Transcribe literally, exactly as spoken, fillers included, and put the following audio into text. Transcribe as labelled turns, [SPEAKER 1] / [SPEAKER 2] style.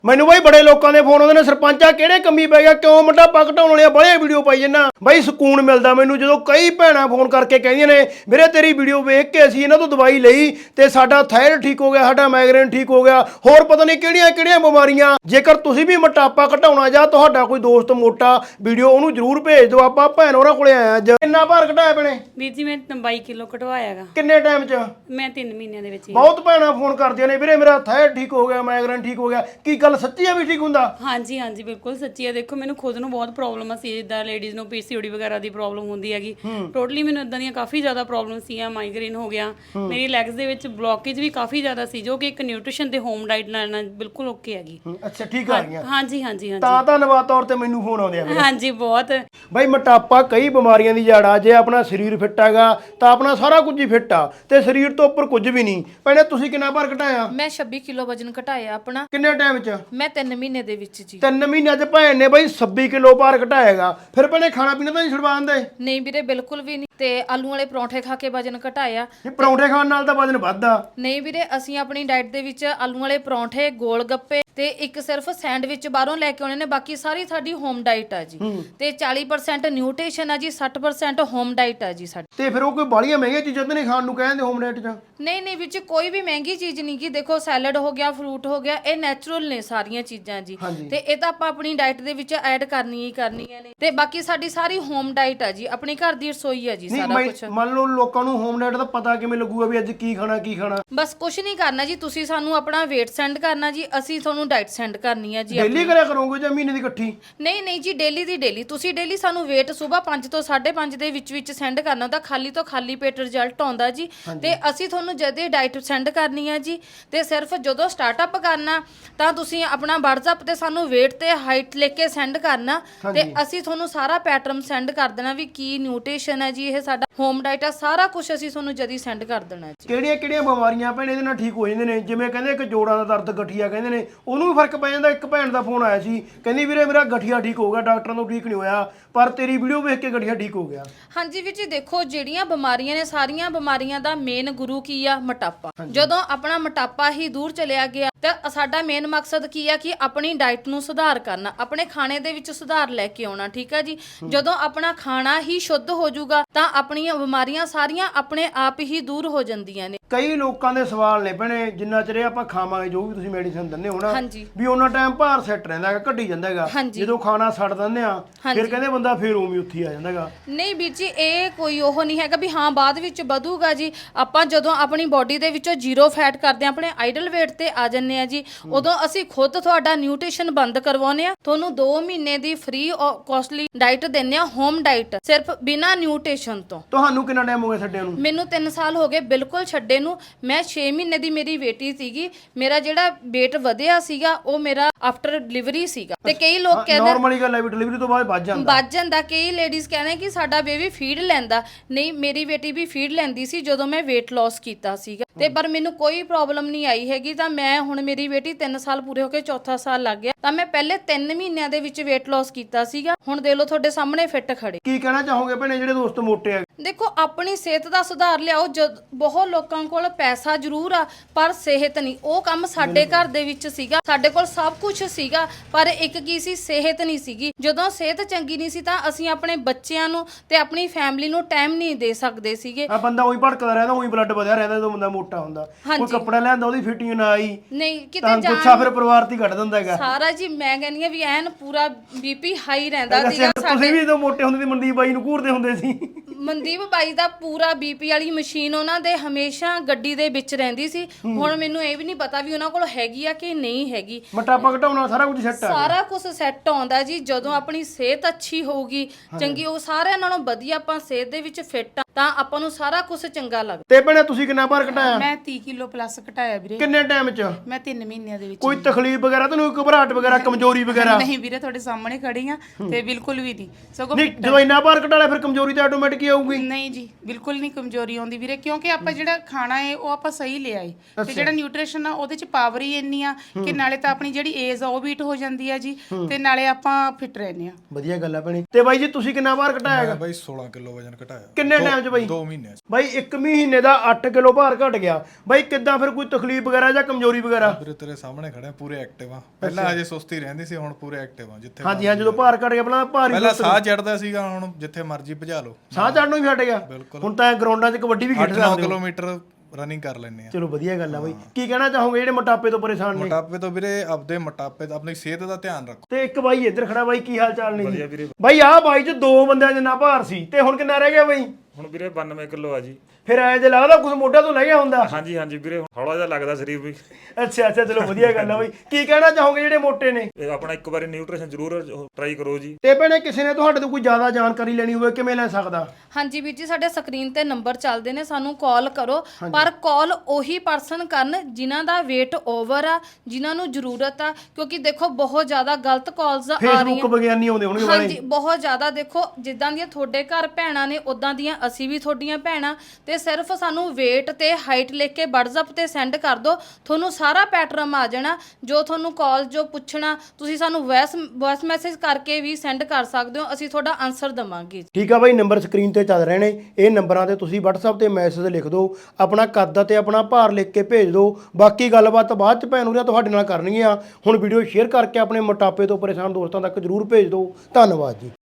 [SPEAKER 1] ਮੈਨੂੰ ਬਾਈ ਬੜੇ ਲੋਕਾਂ ਦੇ ਫੋਨ ਆਉਂਦੇ ਨੇ, ਸਰਪੰਚਾ ਕਿਹੜੇ ਕੰਮੀ ਪੈ ਗਿਆ, ਕਿਉਂ ਮੋਟਾਪਾ ਘਟਾਉਣ ਵਾਲੀਆਂ ਬੜੇ ਵੀਡੀਓ ਪਾਈ ਜੰਨਾ। ਬਾਈ ਸਕੂਨ ਮਿਲਦਾ ਮੈਨੂੰ ਜਦੋਂ ਕਈ ਭੈਣਾਂ ਫੋਨ ਕਰਕੇ ਕਹਿੰਦੀਆਂ ਨੇ ਵੀਰੇ ਤੇਰੀ ਵੀਡੀਓ ਵੇਖ ਕੇ ਅਸੀਂ ਇਹਨਾਂ ਤੋਂ ਦਵਾਈ ਲਈ ਤੇ ਸਾਡਾ ਥਾਇਰਾਇਡ ਠੀਕ ਹੋ ਗਿਆ, ਸਾਡਾ ਮਾਈਗ੍ਰੇਨ ਠੀਕ ਹੋ ਗਿਆ, ਹੋਰ ਪਤਾ ਨਹੀਂ ਕਿਹੜੀਆਂ ਕਿਹੜੀਆਂ ਬਿਮਾਰੀਆਂ। ਜੇਕਰ ਤੁਸੀਂ ਵੀ ਮੋਟਾਪਾ ਘਟਾਉਣਾ ਜਾਂ ਤੁਹਾਡਾ ਕੋਈ ਦੋਸਤ ਮੋਟਾ, ਵੀਡੀਓ ਉਹਨੂੰ ਜ਼ਰੂਰ ਭੇਜ ਦਿਓ। ਆਪਾਂ ਭੈਣ ਹੋਰਾਂ ਕੋਲੇ ਆਏ ਅੱਜ। ਕਿੰਨਾ ਭਾਰ ਘਟਾਇਆ ਭੈਣੇ?
[SPEAKER 2] ਵੀਰ ਜੀ ਮੈਂ ਬਾਈ ਕਿਲੋ ਘਟਵਾਇਆਗਾ।
[SPEAKER 1] ਕਿੰਨੇ ਟਾਈਮ 'ਚ?
[SPEAKER 2] ਮੈਂ ਤਿੰਨ ਮਹੀਨਿਆਂ ਦੇ ਵਿੱਚ ਹੀ।
[SPEAKER 1] ਬਹੁਤ ਭੈਣਾਂ ਫੋਨ ਕਰਦੀਆਂ ਨੇ ਵੀਰੇ ਮੇਰਾ ਥਾਇਰਾਇਡ ਠੀਕ ਹੋ ਗਿਆ, ਮਾਈਗ੍ਰੇਨ ਠੀਕ ਹੋ ਗਿਆ। ਕੀ ਗੱਲ ਸੱਚੀ ਆ ਵੀ ਠੀਕ ਹੁੰਦਾ?
[SPEAKER 2] ਹਾਂਜੀ ਹਾਂਜੀ ਬਿਲਕੁਲ ਸੱਚੀ ਹੈ। ਦੇਖੋ ਮੈਨੂੰ ਖੁਦ ਨੂੰ ਬਹੁਤ ਪ੍ਰੋਬਲਮ ਸੀ, ਜਿੱਦਾਂ ਲੇਡੀਜ਼ ਨੂੰ ਪੀਸੀਓਡੀ ਵਗੈਰਾ ਦੀ ਪ੍ਰੋਬਲਮ ਹੁੰਦੀ ਹੈਗੀ। ਟੋਟਲੀ ਮੈਨੂੰ ਇਦਾਂ ਦੀਆਂ ਕਾਫੀ ਜ਼ਿਆਦਾ ਪ੍ਰੋਬਲਮ ਸੀਆਂ। ਮਾਈਗ੍ਰੇਨ ਹੋ ਗਿਆ, ਮੇਰੀ ਲੈਗਸ ਦੇ ਵਿੱਚ ਬਲੌਕੇਜ ਵੀ ਕਾਫੀ ਜ਼ਿਆਦਾ ਸੀ, ਜੋ ਕਿ ਇੱਕ ਨਿਊਟ੍ਰੀਸ਼ਨ ਤੇ ਹੋਮ ਡਾਈਟ ਨਾਲ ਬਿਲਕੁਲ ਓਕੇ ਹੈਗੀ।
[SPEAKER 1] ਅੱਛਾ ਠੀਕ ਆ ਗਈਆਂ।
[SPEAKER 2] ਹਾਂਜੀ ਹਾਂਜੀ ਹਾਂਜੀ
[SPEAKER 1] ਤਾਂ ਧੰਨਵਾਦ ਤੌਰ ਤੇ ਮੈਨੂੰ ਫੋਨ ਆਉਂਦੇ ਆ ਵੀਰੇ।
[SPEAKER 2] ਹਾਂਜੀ ਬਹੁਤ।
[SPEAKER 1] ਬਾਈ ਮੋਟਾਪਾ ਕਈ ਬਿਮਾਰੀਆਂ ਦੀ ਜੜ ਆ। ਜੇ ਆਪਣਾ ਸਰੀਰ ਫਿੱਟ ਹੈਗਾ ਤਾਂ ਆਪਣਾ ਸਾਰਾ ਕੁਝ ਹੀ ਫਿੱਟ ਆ ਤੇ ਸਰੀਰ ਤੋਂ ਉੱਪਰ ਕੁਝ ਵੀ ਨਹੀਂ। ਭੈਣੇ ਤੁਸੀਂ ਕਿੰਨਾ ਭਾਰ ਘਟਾਇਆ?
[SPEAKER 3] ਮੈਂ ਛੱਬੀ ਕਿਲੋ ਵਜਨ ਘਟਾਇਆ ਆਪਣਾ।
[SPEAKER 1] ਕਿੰਨੇ ਟਾਈਮ 'ਚ?
[SPEAKER 3] ਮੈਂ ਤਿੰਨ ਮਹੀਨੇ ਦੇ ਵਿੱਚ ਜੀ।
[SPEAKER 1] ਤਿੰਨ ਮਹੀਨਿਆਂ 'ਚ ਭੈਣ ਨੇ ਬਾਈ ਛੱਬੀ ਕਿਲੋ ਭਾਰ ਘਟਾਏਗਾ। ਫਿਰ ਭੈਣੇ ਖਾਣਾ ਪੀਣਾ ਤਾਂ ਨਹੀਂ ਛੁਡਵਾਉਂਦੇ?
[SPEAKER 3] ਨਹੀਂ ਵੀਰੇ ਬਿਲਕੁਲ ਵੀ ਨਹੀਂ। ਤੇ ਆਲੂ ਵਾਲੇ ਪਰੌਂਠੇ ਖਾ ਕੇ ਵਜਨ ਘਟਾਇਆ।
[SPEAKER 1] ਇਹ ਪਰੌਂਠੇ ਖਾਣ ਨਾਲ ਤਾਂ ਵਜਨ ਵੱਧਦਾ।
[SPEAKER 3] ਨਹੀਂ ਵੀਰੇ ਅਸੀਂ ਆਪਣੀ ਡਾਈਟ ਦੇ ਵਿੱਚ ਆਲੂ ਵਾਲੇ ਪਰੌਂਠੇ, ਗੋਲ ਗੱਪੇ ਤੇ ਇੱਕ ਸਿਰਫ ਸੈਂਡਵਿਚ ਬਾਹਰੋਂ ਲੈ ਕੇ ਆਉਣੇ ਨੇ। ਬਾਕੀ ਸਾਰੀ ਸਾਡੀ ਹੋਮ ਡਾਈਟ ਆ ਜੀ। ਤੇ ਚਾਲੀ ਪਰਸੈਂਟ ਨਿਊਟ੍ਰੀਸ਼ਨ ਆ ਜੀ, ਸੱਠ ਪਰਸੈਂਟ ਹੋਮ ਡਾਈਟ ਆ ਜੀ ਸਾਡੀ।
[SPEAKER 1] ਤੇ ਫਿਰ ਉਹ ਕੋਈ ਬਾਲੀਆਂ ਮਹਿੰਗੀਆਂ ਚੀਜ਼ਾਂ ਤਾਂ ਨਹੀਂ ਖਾਣ ਨੂੰ ਕਹਿੰਦੇ ਹੋਮ ਡਾਈਟ 'ਚ?
[SPEAKER 3] ਨਹੀਂ ਨਹੀਂ ਵਿੱਚ ਕੋਈ ਵੀ ਮਹਿੰਗੀ ਚੀਜ਼ ਨਹੀਂ ਗੀ। ਦੇਖੋ ਸੈਲਡ ਹੋ ਗਿਆ, ਫਰੂਟ ਹੋ ਗਿਆ, ਇਹ ਨੈਚੁਰਲ ਨੇ ਸਾਰੀਆਂ ਚੀਜ਼ਾਂ ਜੀ। ਤੇ ਇਹ ਤਾਂ ਆਪਾਂ ਆਪਣੀ ਡਾਈਟ ਦੇ ਵਿੱਚ ਐਡ ਕਰਨੀ ਹੀ ਕਰਨੀਆਂ ਨੇ। ਤੇ ਬਾਕੀ ਸਾਡੀ ਸਾਰੀ ਹੋਮ ਡਾਈਟ ਆ ਜੀ, ਆਪਣੀ ਘਰ ਦੀ ਰਸੋਈ ਆ ਜੀ ਸਾਰਾ ਕੁਝ।
[SPEAKER 1] ਮੰਨ ਲਓ ਲੋਕਾਂ ਨੂੰ ਹੋਮ ਡਾਈਟ ਦਾ ਪਤਾ ਕਿਵੇਂ ਲੱਗੂਗਾ ਵੀ ਅੱਜ ਕੀ ਖਾਣਾ ਕੀ ਖਾਣਾ?
[SPEAKER 3] ਬਸ ਕੁਝ ਨਹੀਂ ਕਰਨਾ ਜੀ, ਤੁਸੀਂ ਸਾਨੂੰ ਆਪਣਾ weight ਸੈਂਡ ਕਰਨਾ ਜੀ, ਅਸੀਂ ਤੁਹਾਨੂੰ ਡਾਈਟ ਸੈਂਡ ਕਰਨੀ ਆ ਜੀ।
[SPEAKER 1] ਡੇਲੀ ਕਰਿਆ ਕਰੋਗੇ ਜਾਂ ਮਹੀਨੇ ਦੀ ਇਕੱਠੀ?
[SPEAKER 3] ਨਹੀਂ ਨਹੀਂ ਜੀ ਡੇਲੀ ਦੀ ਡੇਲੀ। ਤੁਸੀਂ ਡੇਲੀ ਸਾਨੂੰ weight ਸਵੇਰ ਪੰਜ ਤੋਂ ਸਾਢੇ ਪੰਜ ਦੇ ਵਿੱਚ ਵਿੱਚ ਸੈਂਡ ਕਰਨਾ ਹੁੰਦਾ। ਖਾਲੀ ਤੋਂ ਖਾਲੀ ਪੇਟ ਰਿਜ਼ਲਟ ਆਉਂਦਾ ਜੀ। ਤੇ ਅਸੀਂ ਤੁਹਾਨੂੰ ਜਦੇ ਡਾਈਟ ਸੈਂਡ ਕਰਨੀ ਆ ਜੀ। ਤੇ ਸਿਰਫ ਜਦੋਂ ਸਟਾਰਟਅਪ ਕਰਨਾ ਤਾਂ ਤੁਸੀਂ ਆਪਣਾ WhatsApp ਤੇ ਸਾਨੂੰ weight ਤੇ ਹਾਈਟ ਲਿਖ ਕੇ ਸੈਂਡ ਕਰਨਾ ਤੇ ਅਸੀਂ ਤੁਹਾਨੂੰ ਸਾਰਾ ਪੈਟਰਨ ਸੈਂਡ ਕਰ ਦੇਣਾ ਵੀ ਕੀ ਨਿਊਟ੍ਰੀਸ਼ਨ ਹੈ ਜੀ, ਇਹ ਸਾਡਾ ਹੋਮ ਡਾਈਟ ਆ, ਸਾਰਾ ਕੁਝ ਅਸੀਂ ਤੁਹਾਨੂੰ ਜਦੀ ਸੈਂਡ ਕਰ ਦੇਣਾ ਜੀ।
[SPEAKER 1] ਕਿਹੜੀਆਂ ਕਿਹੜੀਆਂ ਬਿਮਾਰੀਆਂ ਭੈਣ ਇਹਦੇ ਨਾਲ ਠੀਕ ਹੋ ਜਾਂਦੇ ਨੇ? ਜਿਵੇਂ ਕਹਿੰਦੇ ਇੱਕ ਜੋੜਾਂ ਦਾ ਦਰਦ, ਗਠੀਆ ਕਹਿੰਦੇ ਨੇ, ਉਹਨੂੰ ਵੀ ਫਰਕ ਪੈ ਜਾਂਦਾ। ਇੱਕ ਭੈਣ ਦਾ ਫੋਨ ਆਇਆ ਸੀ, ਕਹਿੰਦੀ ਵੀਰੇ ਮੇਰਾ ਗਠੀਆ ਠੀਕ ਹੋ ਗਿਆ, ਡਾਕਟਰਾਂ ਤੋਂ ਠੀਕ ਨਹੀਂ ਹੋਇਆ, ਪਰ ਤੇਰੀ ਵੀਡੀਓ ਵੇਖ ਕੇ ਗਠੀਆ ਠੀਕ ਹੋ ਗਿਆ।
[SPEAKER 3] ਹਾਂਜੀ ਵੀਰ ਜੀ ਦੇਖੋ ਜਿਹੜੀਆਂ ਬਿਮਾਰੀਆਂ ਨੇ, ਸਾਰੀਆਂ ਬਿਮਾਰੀਆਂ ਦਾ ਮੇਨ ਗੁਰੂ ਕੀ ਆ? ਮੋਟਾਪਾ। ਜਦੋਂ ਆਪਣਾ ਮੋਟਾਪਾ ਹੀ ਦੂਰ ਚਲਿਆ ਗਿਆ ਤਾਂ ਸਾਡਾ ਮੇਨ ਮਕਸਦ ਕੀ ਆ ਕਿ ਆਪਣੀ ਡਾਈਟ ਨੂੰ ਸੁਧਾਰ ਕਰਨਾ, ਆਪਣੇ ਖਾਣੇ ਦੇ ਵਿੱਚ ਸੁਧਾਰ ਲੈ ਕੇ ਆਉਣਾ। ਠੀਕ ਆ ਜੀ। ਜਦੋਂ ਆਪਣਾ ਖਾਣਾ ਹੀ ਸ਼ੁੱਧ ਹੋ ਜਾਊਗਾ ਤਾਂ ਆਪਣੀਆਂ ਬਿਮਾਰੀਆਂ ਸਾਰੀਆਂ ਆਪਣੇ ਆਪ ਹੀ ਦੂਰ ਹੋ ਜਾਂਦੀਆਂ ਨੇ।
[SPEAKER 1] ਕਈ ਲੋਕਾਂ ਦੇ ਸਵਾਲ ਨੇ ਭੈਣੇ, ਜਿੰਨਾ ਚਿਰ ਆਪਾਂ ਖਾਵਾਂਗੇ ਜੋ ਵੀ ਤੁਸੀਂ ਮੈਡੀਸਿਨ ਦਿੰਦੇ ਹੋ ਨਾ,
[SPEAKER 3] ਹਾਂਜੀ।
[SPEAKER 1] ਵੀ ਉਹਨਾਂ ਟਾਈਮ ਭਾਰ ਸੈੱਟ ਰਹਿੰਦਾ ਹੈਗਾ, ਘਟੀ ਜਾਂਦਾ ਹੈਗਾ। ਜਦੋਂ ਖਾਣਾ ਛੱਡ ਦਿੰਦੇ ਆ ਫਿਰ ਕਹਿੰਦੇ ਬੰਦਾ ਫਿਰ ਉਵੇਂ ਉੱਥੀ ਆ ਜਾਂਦਾ ਹੈਗਾ।
[SPEAKER 3] ਨਹੀਂ ਵੀਰ ਜੀ ਇਹ ਕੋਈ ਉਹ ਨਹੀਂ ਹੈਗਾ ਵੀ ਹਾਂ ਬਾਅਦ ਵਿੱਚ ਵਧੂਗਾ ਜੀ। ਆਪਾਂ ਜਦੋਂ ਆਪਣੀ ਬੋਡੀ ਦੇ ਵਿੱਚੋਂ ਜ਼ੀਰੋ ਫੈਟ ਕਰਦੇ ਆ, ਆਪਣੇ ਆਈਡਲ weight ਤੇ ਆ ਜੰਨੇ ਆ ਜੀ, ਉਦੋਂ ਅਸੀਂ ਖੁਦ ਤੁਹਾਡਾ ਨਿਊਟ੍ਰੀਸ਼ਨ ਬੰਦ ਕਰਵਾਉਨੇ ਆ। ਤੁਹਾਨੂੰ ਦੋ ਮਹੀਨੇ ਦੀ ਫ੍ਰੀ ਕਾਸਟਲੀ ਡਾਈਟ ਦਿੰਨੇ ਆ, ਹੋਮ ਡਾਈਟ, ਸਿਰਫ ਬਿਨਾਂ ਨਿਊਟ੍ਰੀਸ਼ਨ ਤੋਂ।
[SPEAKER 1] ਤੁਹਾਨੂੰ ਕਿੰਨਾ ਟਾਈਮ ਹੋ ਗਿਆ ਛੱਡਿਆਂ ਨੂੰ?
[SPEAKER 3] ਮੈਨੂੰ ਤਿੰਨ ਸਾਲ ਹੋ ਗਏ ਬਿਲਕੁਲ ਛੱਡੇ ਨੂੰ। ਮੈਂ ਛੇ ਮਹੀਨੇ ਦੀ ਮੇਰੀ ਬੇਟੀ ਸੀਗੀ। ਮੇਰਾ ਜਿਹੜਾ weight ਵਧਿਆ ਸੀਗਾ ਉਹ ਮੇਰਾ ਆਫਟਰ ਡਿਲੀਵਰੀ ਸੀਗਾ। ਤੇ ਕਈ ਲੋਕ ਕਹਿੰਦੇ
[SPEAKER 1] ਨਾਰਮਲੀ ਗੱਲ ਹੈ ਵੀ ਡਿਲੀਵਰੀ ਤੋਂ ਬਾਅਦ ਵੱਧ ਜਾਂਦਾ
[SPEAKER 3] ਵੱਧ ਜਾਂਦਾ ਕਈ ਲੇਡੀਜ਼ ਕਹਿੰਦੇ ਕਿ ਸਾਡਾ ਬੇਬੀ ਫੀਡ ਲੈਂਦਾ। ਨਹੀਂ, ਮੇਰੀ ਬੇਟੀ ਵੀ ਫੀਡ ਲੈਂਦੀ ਸੀ ਜਦੋਂ ਮੈਂ weight loss ਕੀਤਾ ਸੀਗਾ। ਤੇ ਪਰ ਮੈਨੂੰ ਕੋਈ ਪ੍ਰੋਬਲਮ ਨਹੀਂ ਆਈ ਹੈਗੀ। ਤਾਂ ਮੈਂ ਹੁਣ ਮੇਰੀ ਬੇਟੀ ਤਿੰਨ ਸਾਲ ਪੂਰੇ ਹੋ ਕੇ ਚੌਥਾ ਸਾਲ ਲੱਗ ਗਿਆ। ਤਾਂ ਮੈਂ ਪਹਿਲੇ ਤਿੰਨ ਮਹੀਨਿਆਂ ਦੇ ਵਿੱਚ weight loss ਕੀਤਾ ਸੀਗਾ। ਹੁਣ ਦੇਖ ਲਓ ਤੁਹਾਡੇ ਸਾਹਮਣੇ ਫਿੱਟ ਖੜੇ।
[SPEAKER 1] ਕੀ ਕਹਿਣਾ ਚਾਹੋਗੇ ਭੈਣੇ ਜਿਹੜੇ ਦੋਸਤ ਮੋਟੇ ਆ?
[SPEAKER 3] ਦੇਖੋ ਆਪਣੀ ਸਿਹਤ ਦਾ ਸੁਧਾਰ ਲਿਆਓ। ਜਦ ਬਹੁਤ ਲੋਕਾਂ ਕੋਲ ਪੈਸਾ ਜ਼ਰੂਰ ਆ ਪਰ ਸਿਹਤ ਨਹੀਂ। ਉਹ ਕੰਮ ਸਾਡੇ ਘਰ ਦੇ ਵਿੱਚ ਸੀਗਾ, ਸਾਡੇ ਕੋਲ ਸਭ ਕੁਝ ਸੀਗਾ ਪਰ ਇੱਕ ਕੀ ਸੀ? ਸਿਹਤ ਨਹੀਂ ਸੀਗੀ। ਜਦੋਂ ਸਿਹਤ ਚੰਗੀ ਨਹੀਂ ਸੀ ਤਾਂ ਅਸੀਂ ਆਪਣੇ ਬੱਚਿਆਂ ਨੂੰ ਤੇ ਆਪਣੀ ਫੈਮਿਲੀ ਨੂੰ ਟਾਈਮ ਨਹੀਂ ਦੇ ਸਕਦੇ ਸੀਗੇ।
[SPEAKER 1] ਆ ਬੰਦਾ ਉਹੀ ਭੜਕਦਾ ਰਹਿੰਦਾ, ਉਹੀ ਬਲੱਡ ਵਧਿਆ ਰਹਿੰਦਾ ਜਦੋਂ ਬੰਦਾ ਮੋਟਾ ਹੁੰਦਾ। ਕੋਈ ਕੱਪੜਾ ਲੈਂਦਾ ਉਹਦੀ ਫਿਟਿੰਗ ਨਾ ਆਈ
[SPEAKER 3] ਨਹੀਂ ਕਿਤੇ
[SPEAKER 1] ਤਾਂ ਗੁੱਸਾ ਫਿਰ ਪਰਿਵਾਰ ਤੇ ਕੱਢ ਦਿੰਦਾ ਹੈਗਾ
[SPEAKER 3] ਸਾਰਾ ਜੀ। ਮੈਂ ਕਹਿੰਦੀ ਆ ਵੀ ਐਨ ਪੂਰਾ ਬੀਪੀ ਹਾਈ ਰਹਿੰਦਾ ਸੀਗਾ।
[SPEAKER 1] ਤੁਸੀਂ ਵੀ ਜਦੋਂ ਮੋਟੇ ਹੁੰਦੇ ਸੀ ਮਨਦੀਪ ਬਾਈ ਨੂੰ ਘੂਰਦੇ ਹੁੰਦੇ ਸੀ।
[SPEAKER 3] ਮਨਦੀਪ ਬਾਈ ਦਾ ਪੂਰਾ ਬੀਪੀ ਵਾਲੀ ਮਸ਼ੀਨ ਉਹਨਾਂ ਦੇ ਹਮੇਸ਼ਾ ਗੱਡੀ ਦੇ ਵਿੱਚ ਰਹਿੰਦੀ ਸੀ। ਹੁਣ ਮੈਨੂੰ ਇਹ ਵੀ ਨਹੀਂ ਪਤਾ ਵੀ ਉਹਨਾਂ ਕੋਲ ਹੈਗੀ ਆ ਕਿ ਨਹੀਂ ਹੈਗੀ।
[SPEAKER 1] ਮੋਟਾਪਾ ਘਟਾਉਣਾ ਸਾਰਾ ਕੁਝ ਸੈੱਟ ਆ,
[SPEAKER 3] ਸਾਰਾ ਕੁਝ ਸੈੱਟ ਆਉਂਦਾ ਜੀ ਜਦੋਂ ਆਪਣੀ ਸਿਹਤ ਅੱਛੀ ਹੋਊਗੀ, ਚੰਗੀ। ਉਹ ਸਾਰਿਆਂ ਨਾਲੋਂ ਵਧੀਆ ਆਪਾਂ ਸਿਹਤ ਦੇ ਵਿੱਚ ਫਿੱਟ ਆ ਤਾਂ ਆਪਾਂ ਨੂੰ ਸਾਰਾ ਕੁਝ ਚੰਗਾ ਲੱਗਦਾ।
[SPEAKER 1] ਤੇ ਭੈਣੇ ਤੁਸੀਂ ਕਿੰਨਾ ਭਾਰ ਘਟਾਇਆ?
[SPEAKER 4] ਮੈਂ ਤੀਹ ਕਿਲੋ ਪਲੱਸ ਘਟਾਇਆ ਵੀਰੇ।
[SPEAKER 1] ਕਿੰਨੇ ਟਾਈਮ 'ਚ?
[SPEAKER 4] ਮੈਂ ਤਿੰਨ ਮਹੀਨਿਆਂ ਦੇ ਵਿੱਚ।
[SPEAKER 1] ਕੋਈ ਤਕਲੀਫ ਵਗੈਰਾ ਤੁਹਾਨੂੰ, ਘਬਰਾਹਟ ਵਗੈਰਾ, ਕਮਜ਼ੋਰੀ ਵਗੈਰਾ?
[SPEAKER 4] ਨਹੀਂ ਵੀਰੇ ਤੁਹਾਡੇ ਸਾਹਮਣੇ ਖੜੀ ਆ ਤੇ ਬਿਲਕੁਲ ਵੀ ਨਹੀਂ। ਸਗੋਂ
[SPEAKER 1] ਨਹੀਂ ਜਦੋਂ ਇੰਨਾ ਭਾਰ ਘਟਾ ਲਿਆ ਫਿਰ ਕਮਜ਼ੋਰੀ ਤਾਂ ਆਟੋਮੈਟਿਕ ਹੀ ਆਊਗੀ?
[SPEAKER 4] ਨਹੀਂ ਜੀ ਬਿਲਕੁਲ ਨਹੀਂ ਕਮਜ਼ੋਰੀ ਆਉਂਦੀ ਵੀਰੇ, ਕਿਉਂਕਿ ਆਪਾਂ ਜਿਹੜਾ ਖਾਣਾ ਹੈ ਉਹ ਆਪਾਂ ਸਹੀ ਲਿਆ ਏ ਤੇ ਜਿਹੜਾ ਨਿਊਟ੍ਰੀਸ਼ਨ ਆ ਉਹਦੇ ਚ ਪਾਵਰ ਹੀ ਇੰਨੀ ਆ ਕਿ ਨਾਲੇ ਤਾਂ ਆਪਣੀ ਜਿਹੜੀ ਏਜ ਆ ਉਹ ਬੀਟ ਹੋ ਜਾਂਦੀ ਆ ਜੀ ਤੇ ਨਾਲੇ ਆਪਾਂ ਫਿੱਟ ਰਹਿੰਦੇ ਆ।
[SPEAKER 1] ਵਧੀਆ ਗੱਲ ਆ ਭੈਣੇ। ਤੇ ਬਾਈ ਜੀ ਤੁਸੀਂ ਕਿੰਨਾ ਭਾਰ ਘਟਾਇਆ ਹੈਗਾ?
[SPEAKER 5] ਬਾਈ ਸੋਲਾਂ ਕਿਲੋ ਵਜਨ ਘਟਾਇਆ।
[SPEAKER 1] ਕਿੰਨੇ ਟਾਈਮ 'ਚ ਬਾਈ?
[SPEAKER 5] ਦੋ ਮਹੀਨਿਆਂ 'ਚ
[SPEAKER 1] ਬਾਈ ਇੱਕ ਮਹੀਨੇ ਦਾ ਅੱਠ ਕਿਲੋ ਭਾਰ ਘਟ ਗਿਆ। ਬਾਈ ਕਿੱਦਾਂ ਫਿਰ ਕੋਈ ਤਕਲੀਫ ਵਗੈਰਾ ਜਾਂ ਕਮਜ਼ੋਰੀ ਵਗੈਰਾ?
[SPEAKER 5] ਵੀਰੇ ਤੇਰੇ ਸਾਹਮਣੇ ਖੜੇ ਪੂਰੇ ਐਕਟਿਵ ਆ। ਪਹਿਲਾਂ ਅਜੇ ਸੁਸਤੀ ਰਹਿੰਦੀ ਸੀ, ਹੁਣ ਪੂਰੇ ਐਕਟਿਵ ਆ। ਜਿੱਥੇ
[SPEAKER 1] ਹਾਂਜੀ ਹਾਂ, ਜਦੋਂ ਭਾਰ ਘਟ ਗਿਆ ਪਹਿਲਾਂ ਭਾਰੀ
[SPEAKER 5] ਪਹਿਲਾਂ ਸਾਹ ਚੜਦਾ ਸੀਗਾ, ਹੁਣ ਜਿੱਥੇ ਮਰਜ਼ੀ ਭਜਾ ਲਓ,
[SPEAKER 1] ਸਾਹ ਚੜਨੋਂ ਹੀ ਹਟ ਗਿਆ। ਹੁਣ ਤਾਂ ਗਰਾਊਂਡਾਂ 'ਚ ਕਬੱਡੀ ਵੀ ਖੇਡ
[SPEAKER 5] ਅੱਠ
[SPEAKER 1] ਸਕਦੇ
[SPEAKER 5] ਨੌ
[SPEAKER 1] ਹੋ।
[SPEAKER 5] ਕਿਲੋਮੀਟਰ ਰਨਿੰਗ ਕਰ ਲੈਂਦੇ ਆ।
[SPEAKER 1] ਚਲੋ ਵਧੀਆ ਗੱਲ ਆ ਬਾਈ। ਕੀ ਕਹਿਣਾ ਚਾਹੋਗੇ ਜਿਹੜੇ ਮੋਟਾਪੇ ਤੋਂ ਪਰੇਸ਼ਾਨ ਨੇ?
[SPEAKER 5] ਮੋਟਾਪੇ ਤੋਂ ਵੀਰੇ ਆਪਦੇ ਮੋਟਾਪੇ ਦਾ ਆਪਣੀ ਸਿਹਤ ਦਾ ਧਿਆਨ ਰੱਖੋ।
[SPEAKER 1] ਤੇ ਇੱਕ ਬਾਈ ਇੱਧਰ ਖੜਾ। ਬਾਈ ਕੀ ਹਾਲ ਚਾਲ ਨੇ ਜੀ? ਬਾਈ ਆਹ ਬਾਈ 'ਚ ਦੋ ਬੰਦਿਆਂ ਜਿੰਨਾ ਭਾਰ ਸੀ ਤੇ ਹੁਣ ਕਿੰਨਾ ਰਹਿ ਗਿਆ ਬਾਈ?
[SPEAKER 6] ਹੁਣ ਵੀਰੇ ਬਾਨਵੇਂ ਕਿਲੋ ਆ ਜੀ।
[SPEAKER 1] ਫਿਰ ਐਂ ਜੇ ਲੱਗਦਾ ਕੁਝ ਮੋਢਿਆਂ ਤੋਂ ਲੈ ਗਿਆ ਹੁੰਦਾ?
[SPEAKER 6] ਹਾਂਜੀ ਹਾਂਜੀ ਵੀਰੇ, ਹੌਲਾ ਜਿਹਾ ਲੱਗਦਾ ਸਰੀਰ ਵੀ।
[SPEAKER 1] ਅੱਛਾ ਅੱਛਾ, ਚਲੋ ਵਧੀਆ ਗੱਲ ਆ ਬਾਈ। ਕੀ ਕਹਿਣਾ ਚਾਹੋਗੇ ਜਿਹੜੇ ਮੋਟੇ ਨੇ?
[SPEAKER 6] ਇਹ ਆਪਣਾ ਇੱਕ ਵਾਰੀ ਨਿਊਟ੍ਰੀਸ਼ਨ ਜ਼ਰੂਰ ਟਰਾਈ ਕਰੋ ਜੀ।
[SPEAKER 1] ਤੇ ਭੈਣੇ ਕਿਸੇ ਨੇ ਤੁਹਾਡੇ ਤੋਂ ਕੋਈ ਜ਼ਿਆਦਾ ਜਾਣਕਾਰੀ ਲੈਣੀ ਹੋਵੇ ਕਿਵੇਂ ਲੈ ਸਕਦਾ?
[SPEAKER 3] ਹਾਂਜੀ ਵੀਰ ਜੀ, ਸਾਡੇ ਸਕਰੀਨ ਤੇ ਨੰਬਰ ਚੱਲਦੇ ਨੇ, ਸਾਨੂੰ ਕਾਲ ਕਰੋ। ਪਰ ਕਾਲ ਉਹੀ ਪਰਸਨ ਕਰਨ ਜਿਨ੍ਹਾਂ ਦਾ weight ਓਵਰ ਆ, ਜਿਨ੍ਹਾਂ ਨੂੰ ਜ਼ਰੂਰਤ ਆ। ਕਿਉਂਕਿ ਦੇਖੋ ਬਹੁਤ ਜ਼ਿਆਦਾ ਗਲਤ ਕਾਲਸ ਆ ਰਹੀਆਂ।
[SPEAKER 1] ਫੇਸਬੁੱਕ ਵਿਗਿਆਨੀ ਆਉਂਦੇ ਹੋਣਗੇ ਵਾਲੇ।
[SPEAKER 3] ਹਾਂਜੀ ਬਹੁਤ ਜ਼ਿਆਦਾ। ਦੇਖੋ ਜਿੱਦਾਂ ਦੀਆਂ ਤੁਹਾਡੇ ਘਰ ਭੈਣਾਂ ਨੇ ਉਦਾਂ ਦੀਆਂ ਅਸੀਂ ਵੀ ਤੁਹਾਡੀਆਂ ਭੈਣਾਂ। ਤੇ ਸਿਰਫ ਸਾਨੂੰ weight ਤੇ ਹਾਈਟ ਲਿਖ ਕੇ WhatsApp ਤੇ ਸੈਂਡ ਕਰ ਦਿਓ, ਤੁਹਾਨੂੰ ਸਾਰਾ ਪੈਟਰਨ ਆ ਜਾਣਾ। ਜੋ ਤੁਹਾਨੂੰ ਕਾਲ ਜੋ ਪੁੱਛਣਾ ਤੁਸੀਂ ਸਾਨੂੰ ਵੌਇਸ ਵੌਇਸ ਮੈਸੇਜ ਕਰਕੇ ਵੀ ਸੈਂਡ ਕਰ ਸਕਦੇ ਹੋ, ਅਸੀਂ ਤੁਹਾਡਾ ਆਨਸਰ ਦਵਾਂਗੇ।
[SPEAKER 1] ਠੀਕ ਆ ਬਾਈ, ਨੰਬਰ ਸਕਰੀਨ ਤੇ ਚੱਲ ਰਹੇ ਨੇ। ਇਹ ਨੰਬਰਾਂ ਤੇ ਤੁਸੀਂ WhatsApp ਤੇ ਮੈਸੇਜ ਲਿਖ ਦਿਓ, ਆਪਣਾ ਕੱਦ ਤੇ ਆਪਣਾ ਭਾਰ ਲਿਖ ਕੇ ਭੇਜ ਦਿਓ। ਬਾਕੀ ਗੱਲਬਾਤ ਬਾਅਦ ਚ ਭੈਣ ਉਰਿਆ ਤੁਹਾਡੇ ਨਾਲ ਕਰਨੀ ਆ। ਹੁਣ ਵੀਡੀਓ ਸ਼ੇਅਰ ਕਰਕੇ ਆਪਣੇ ਮੋਟਾਪੇ ਤੋਂ ਪਰੇਸ਼ਾਨ ਦੋਸਤਾਂ ਤੱਕ ਜਰੂਰ ਭੇਜ ਦਿਓ। ਧੰਨਵਾਦ ਜੀ।